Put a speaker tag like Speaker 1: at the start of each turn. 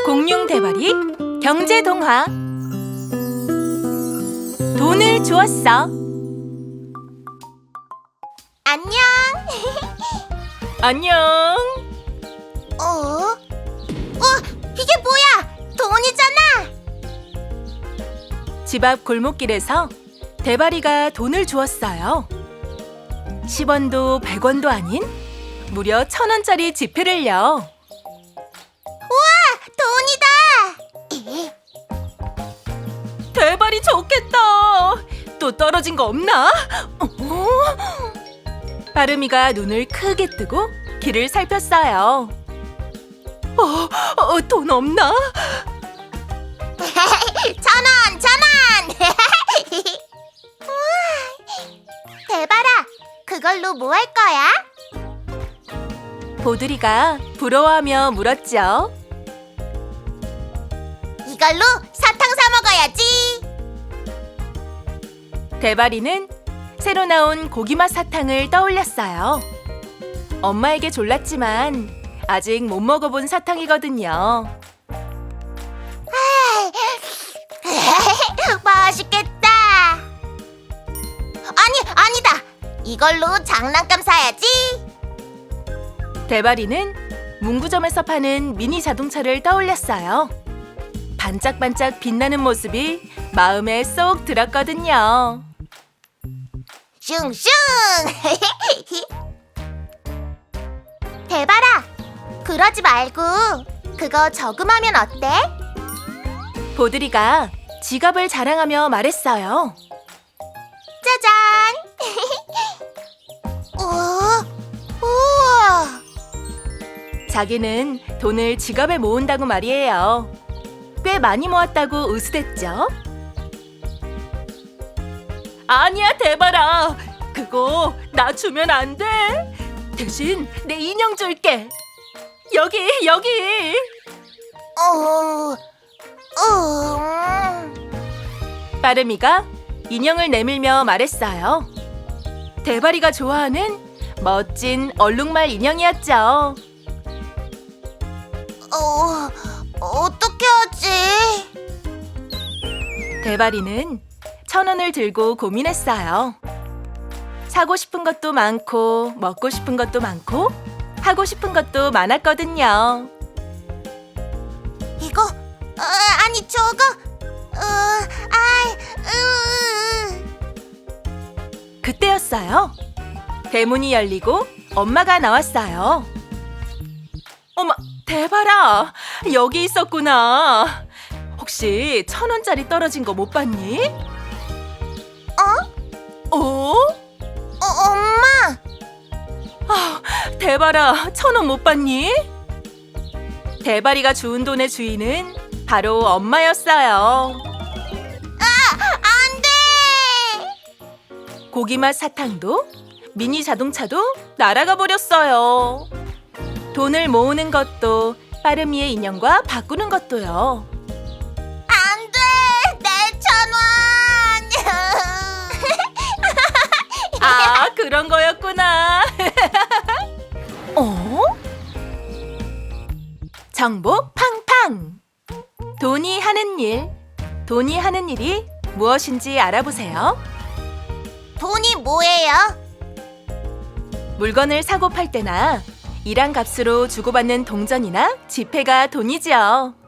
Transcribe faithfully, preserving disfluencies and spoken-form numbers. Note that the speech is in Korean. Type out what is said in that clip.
Speaker 1: 공룡 대발이 경제 동화. 돈을 주었어.
Speaker 2: 안녕.
Speaker 1: 안녕.
Speaker 2: 어? 어, 이게 뭐야? 돈이잖아.
Speaker 1: 집 앞 골목길에서 대발이가 돈을 주었어요. 십 원도 백 원도 아닌 무려 천 원짜리 지폐를요.
Speaker 2: 돈이다.
Speaker 1: 대발이 좋겠다. 또 떨어진 거 없나? 어? 빠름이가 눈을 크게 뜨고 길을 살폈어요. 어, 어, 돈 없나?
Speaker 2: 천 원, 천 원. 우와, 대발아, 그걸로 뭐 할 거야?
Speaker 1: 보드리가 부러워하며 물었죠.
Speaker 2: 이걸로 사탕 사 먹어야지.
Speaker 1: 대발이는 새로 나온 고기맛 사탕을 떠올렸어요. 엄마에게 졸랐지만 아직 못 먹어본 사탕이거든요.
Speaker 2: 맛있겠다. 아니, 아니다. 이걸로 장난감 사야지.
Speaker 1: 대발이는 문구점에서 파는 미니 자동차를 떠올렸어요. 반짝반짝 빛나는 모습이 마음에 쏙 들었거든요.
Speaker 2: 슝슝. 대발아, 그러지 말고 그거 저금하면 어때?
Speaker 1: 보드리가 지갑을 자랑하며 말했어요.
Speaker 2: 짜잔. 우와, 우와.
Speaker 1: 자기는 돈을 지갑에 모은다고 말이에요. 꽤 많이 모았다고 으스댔죠. 아니야, 대발아. 그거 나 주면 안 돼. 대신 내 인형 줄게. 여기, 여기.
Speaker 2: 어, 음.
Speaker 1: 빠름이가 인형을 내밀며 말했어요. 대발이가 좋아하는 멋진 얼룩말 인형이었죠.
Speaker 2: 어, 어떻게 하지?
Speaker 1: 대발이는 천 원을 들고 고민했어요. 사고 싶은 것도 많고 먹고 싶은 것도 많고 하고 싶은 것도 많았거든요.
Speaker 2: 이거, 어, 아니 저거, 어, 아이, 으.
Speaker 1: 그때였어요. 대문이 열리고 엄마가 나왔어요. 어머, 대발아, 여기 있었구나. 혹시 천 원짜리 떨어진 거 못 봤니?
Speaker 2: 어?
Speaker 1: 어?
Speaker 2: 어, 엄마.
Speaker 1: 아, 대발아, 천 원 못 봤니? 대발이가 주운 돈의 주인은 바로 엄마였어요.
Speaker 2: 안 돼.
Speaker 1: 고기맛 사탕도 미니 자동차도 날아가 버렸어요. 돈을 모으는 것도 빠름이의 인형과 바꾸는 것도요.
Speaker 2: 안 돼. 내 천 원.
Speaker 1: 아, 그런 거였구나. 어? 정보 팡팡. 돈이 하는 일. 돈이 하는 일이 무엇인지 알아보세요.
Speaker 2: 돈이 뭐예요?
Speaker 1: 물건을 사고 팔 때나 일한 값으로 주고받는 동전이나 지폐가 돈이죠.